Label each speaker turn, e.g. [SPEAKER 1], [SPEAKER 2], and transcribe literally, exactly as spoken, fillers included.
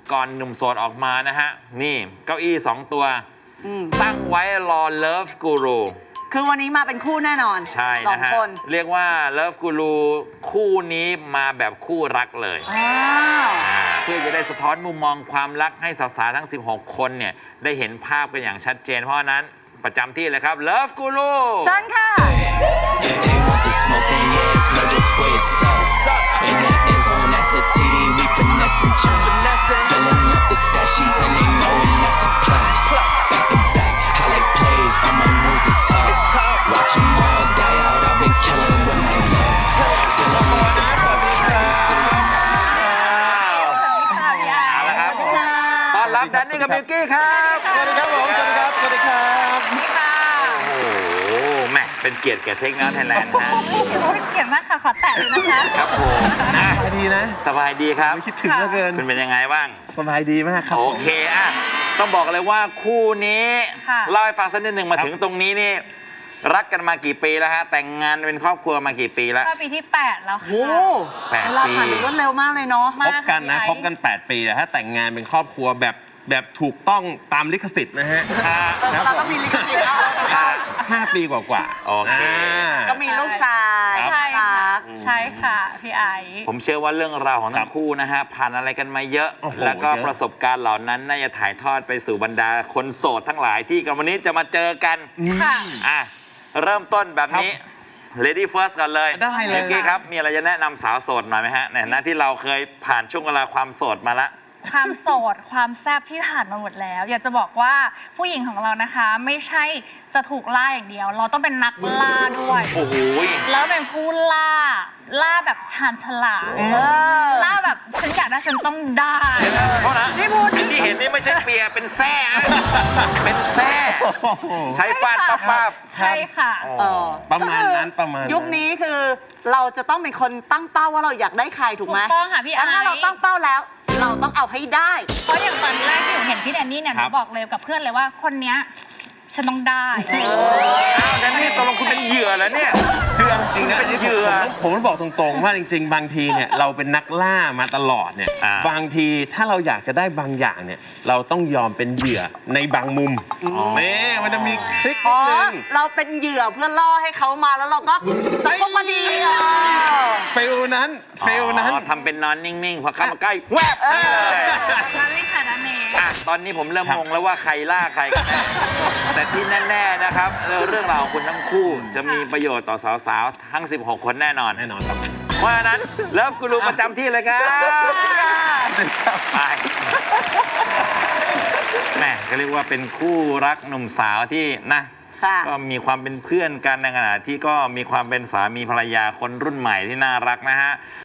[SPEAKER 1] ก่อนหนุ่มโสดออกมานะฮะนี่เก้าอี้สองตัวตั้งไว้รอเลิฟกูรู
[SPEAKER 2] คือวันนี้มาเป็นคู่แน่นอน
[SPEAKER 1] ใช่นะฮะเรียกว่าเลิฟกูรูคู่นี้มาแบบคู่รักเลยเพื่อจะได้สะท้อนมุมมองความรักให้สาวๆทั้งสิบหกคนเนี่ยได้เห็นภาพกันอย่างชัดเจนเพราะนั้นประจำที่เลยครับเลิฟกูรู
[SPEAKER 2] เชิญค่ะ
[SPEAKER 1] รับแดนนี่กับมิวกี้ครับ
[SPEAKER 3] สวัสดีครับผมสวัสดีครับสวัสดีครับ
[SPEAKER 1] โอ้โหแม่เป็นเกียรติแก่เทคนิคไทยแลนด์นะ
[SPEAKER 4] เป็นเกียรติมากค่ะขอแตะเลยนะคะ
[SPEAKER 1] ครับผม
[SPEAKER 3] สบายดีนะ
[SPEAKER 1] สบายดีครับ
[SPEAKER 3] คิดถึงเหลือเกิน
[SPEAKER 1] คุณเป็นยังไงบ้าง
[SPEAKER 3] สบายดีมากครับ
[SPEAKER 1] โอเคอ่ะต้องบอกเลยว่าคู่นี้เล่าให้ฟังสักนิดหนึ่งมาถึงตรงนี้นี่รักกันมากี่ปีแล้วฮะแต่งงานเป็นครอบครัวมากี่ปีแล้ว
[SPEAKER 4] ปีที่แปดแล้วค่ะ
[SPEAKER 1] แปดปี
[SPEAKER 2] เวลาผ่านไปรวดเร็วมากเลยเนาะ
[SPEAKER 3] คบกันนะคบกันแปดปีแต่ถ้าแต่งงานเป็นครอบครัวแบบแบบถูกต้องตามลิขสิทธิ์นะฮะ
[SPEAKER 2] เราต้องมีลิขสิทธิ์
[SPEAKER 3] ห้าปีกว่า
[SPEAKER 1] ๆโอเค
[SPEAKER 2] ก็มีลูกชาย
[SPEAKER 4] ใช่ค่ะใช่ค่ะพี่ไอ
[SPEAKER 1] ผมเชื่อว่าเรื่องราวของทั้งคู่นะฮะผ่านอะไรกันมาเยอะแล้วก็ประสบการณ์เหล่านั้นน่าจะถ่ายทอดไปสู่บรรดาคนโสดทั้งหลายที่กันวันนี้จะมาเจอกัน
[SPEAKER 4] ค่ะ
[SPEAKER 1] อ่ะเริ่มต้นแบบนี้ Lady First กันเลย
[SPEAKER 3] ได้เลย
[SPEAKER 1] เมื่อกี้ครับมีอะไรจะแนะนำสาวโสดหน่อยไหมฮะในฐานะที่เราเคยผ่านช่วงเวลาความโสดมาละ
[SPEAKER 4] ความโสดความแซ่บที่ผ่านมาหมดแล้วอยากจะบอกว่าผู้หญิงของเรานะคะไม่ใช่จะถูกล่าอย่างเดียวเราต้องเป็นนักล่าด้วย
[SPEAKER 1] โอ้โห
[SPEAKER 4] แล้วเป็นผู้ล่าล่าแบบชาญฉลาดล่าแบบฉันอยากได้ฉันต้องได้
[SPEAKER 1] เพราะนะนี่พูดที่เห็นนี่ไม่ใช่เปียเป็นแซ่เป็นแซ่ใช้ฟาดปั๊บปั๊บ
[SPEAKER 4] ใช่ค่ะ
[SPEAKER 3] ประมาณนั้นประมาณ
[SPEAKER 2] ยุคนี้คือเราจะต้องเป็นคนตั้งเป้าว่าเราอยากได้ใครถูกไหม
[SPEAKER 4] ถูกต้องค่ะพี่ไอ้
[SPEAKER 2] ถ้าเราตั้งเป้าแล้วเราต้องเอาให้ได้
[SPEAKER 4] เพราะอย่างตอนแรกที่หนูเห็นพี่แดนนี่เนี่ยหนูบอกเลยกับเพื่อนเลยว่าคนเนี้ยฉันต้องได้
[SPEAKER 1] อ้าวแดนนี่ตกลงคุณเป็นเหยื่อแล้วเนี่ย
[SPEAKER 3] คือจริงนะ
[SPEAKER 1] เป็นเหยื่อ
[SPEAKER 3] ผมต้องบอกตรงๆว่าจริงๆบางทีเนี่ยเราเป็นนักล่ามาตลอดเนี่ยบางทีถ้าเราอยากจะได้บางอย่างเนี่ยเราต้องยอมเป็นเหยื่อในบางมุมนี่มันจะมีคลิกนิดนึง
[SPEAKER 2] เราเป็นเหยื่อเพื่อล่อให้เขามาแล้วเราก็ต้องมาดี
[SPEAKER 3] ฟิลนั้นฟิลนั้น
[SPEAKER 1] ทำเป็นนอนนิ่งๆพอเข้ามาใกล้แวบ
[SPEAKER 4] เลยนั่นเลยค่ะนั่นเอง
[SPEAKER 1] ตอนนี้ผมเริ่มงงแล้วว่าใครล่าใครกันแต่ที่แน่ๆนะครับเรื่องราวของคุณทั้งคู่จะมีประโยชน์ต่อสาวๆทั้งสิบหกคนแน่นอน
[SPEAKER 3] แน่นอนครับ
[SPEAKER 1] เพราะฉะนั้นเลิฟกูรูประจำที่เลยครับไปแม่ก็เรียกว่าเป็นคู่รักหนุ่มสาวที่นะก็มีความเป็นเพื่อนกันในขณะที่ก็มีความเป็นสามีภรรยาคนรุ่นใหม่ที่น่ารักนะฮะ